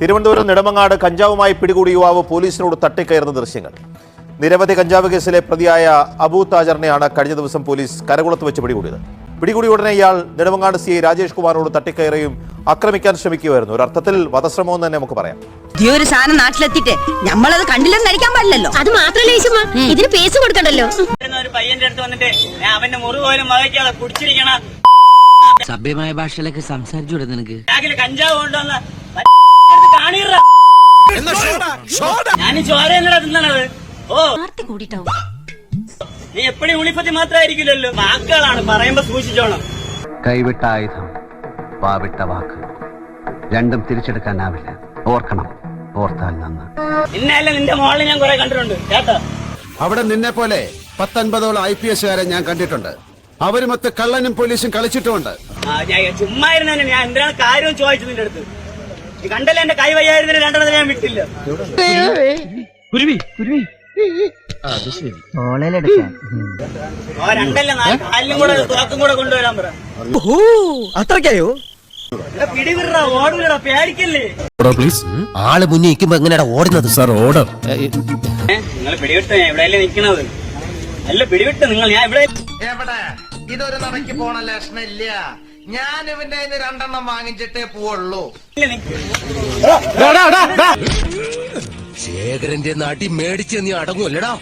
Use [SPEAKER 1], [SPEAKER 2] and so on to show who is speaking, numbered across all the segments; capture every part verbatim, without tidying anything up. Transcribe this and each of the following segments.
[SPEAKER 1] തിരുവനന്തപുരം നെടുമങ്ങാട് കഞ്ചാവുമായി പിടികൂടിയ യുവാവ് പോലീസിനോട് തട്ടിക്കയറുന്ന ദൃശ്യങ്ങൾ. നിരവധി കഞ്ചാവ് കേസിലെ പ്രതിയായ അബൂ താജറിനെയാണ് കഴിഞ്ഞ ദിവസം പോലീസ് കരകുളത്ത് വെച്ച് പിടികൂടിയത്. പിടികൂടിയ ഉടനെ ഇയാൾ നെടുമങ്ങാട് സി ഐ രാജേഷ് കുമാറിനോട് തട്ടിക്കയറുകയും ആക്രമിക്കാൻ ശ്രമിക്കുകയായിരുന്നു. ഒരു അർത്ഥത്തിൽ വധശ്രമം എന്ന് തന്നെ നമുക്ക് പറയാം.
[SPEAKER 2] ഒരു സാധനം നാട്ടിലെത്തിട്ട് നമ്മളത് കണ്ടില്ലെന്ന് നടിക്കാൻ പാടില്ലല്ലോ.
[SPEAKER 3] അത് മാത്രമല്ല ഇതിന് പേസ് കൊടുക്കണ്ടല്ലോ.
[SPEAKER 4] ഒരു പയ്യന്റെ അടുത്ത് വന്നിട്ട് അവന്റെ മുറി പോലും വകയ്ക്കാതെ കുടിച്ചിരിക്കണം.
[SPEAKER 5] സഭ്യമായ ഭാഷയിലൊക്കെ സംസാരിച്ചൂടെ നിനക്ക്?
[SPEAKER 4] കഞ്ചാവ് കൊണ്ടുവന്ന ഞാൻ ചോര എന്നടാ തിന്നണത്. ഓ
[SPEAKER 3] കൂടിട്ടാവും.
[SPEAKER 4] നീ എപ്പോഴും ഉളിപ്പത്തി മാത്രമായിരിക്കില്ലല്ലോ, വാക്കുകളാണ് പറയുമ്പോ സൂക്ഷിച്ചോണം.
[SPEAKER 6] കൈവിട്ട ആയുധം, വാവിട്ട വാക്ക്, രണ്ടും തിരിച്ചെടുക്കാനാവില്ല. ഓർക്കണം, ഓർത്താൽ നന്ന്.
[SPEAKER 4] ഇന്നല്ല നിന്റെ മോളിൽ ഞാൻ കുറെ കണ്ടിട്ടുണ്ട് കേട്ടോ.
[SPEAKER 7] അവിടെ നിന്നെ പോലെ പത്തൊൻപതോളം ഐ പി എസുകാരെ ഞാൻ കണ്ടിട്ടുണ്ട്. അവരുമൊത്ത് കള്ളനും പോലീസും കളിച്ചിട്ടുമുണ്ട്.
[SPEAKER 4] ചുമ്മാ ഇരുന്നെ ഞാൻ എന്തിനാണ് കാര്യം ചോദിച്ചു നിന്റെ അടുത്ത്. ഈ കണ്ടല്ലേ എന്റെ കൈ വയ്യായിരുന്നില്ല, രണ്ടെണ്ണത്തിന് ഞാൻ വിട്ടില്ല. രണ്ടല്ല കാലിലും കൂടെ തുറക്കും കൂടെ കൊണ്ടുവരാൻ പറ.
[SPEAKER 5] അത്രയ്ക്കായോ?
[SPEAKER 4] പിടിവിട ഓടില്ലടാ, പേടിക്കല്ലേ.
[SPEAKER 5] ആള് മുന്നിൽ നിൽക്കുമ്പോ എങ്ങനെയാ ഓടുന്നത്? Sir order.
[SPEAKER 4] നിങ്ങൾ പിടിവിട്ട് എവിടെയല്ലേ നിൽക്കുന്നത്? അല്ല പിടിവിട്ട് നിങ്ങൾ. ഞാൻ ഇവിടെ
[SPEAKER 8] എവിടെ ഇതൊരു നടക്ക് പോണ ലക്ഷണില്ല. ഞാൻ ഇവന്റെ രണ്ടെണ്ണം വാങ്ങിച്ചിട്ടേ പോവുള്ളൂ.
[SPEAKER 5] ശേഖരന്റെ നാട്ടി മേടിച്ച് നീ അടങ്ങൂല്ലടാ.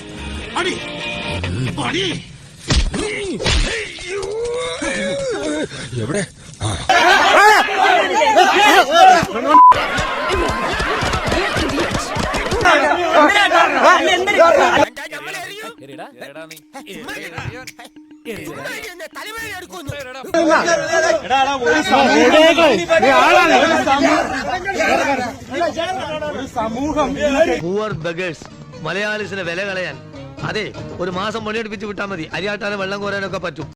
[SPEAKER 5] എവിടെ പൂവർ ബഗേഴ്സ് മലയാളീസിനെ വില കളയാൻ. അതെ, ഒരു മാസം പണിയെടുപ്പിച്ച് വിട്ടാൽ മതി. അരിയാട്ടാനും വെള്ളം കോരാനൊക്കെ പറ്റും.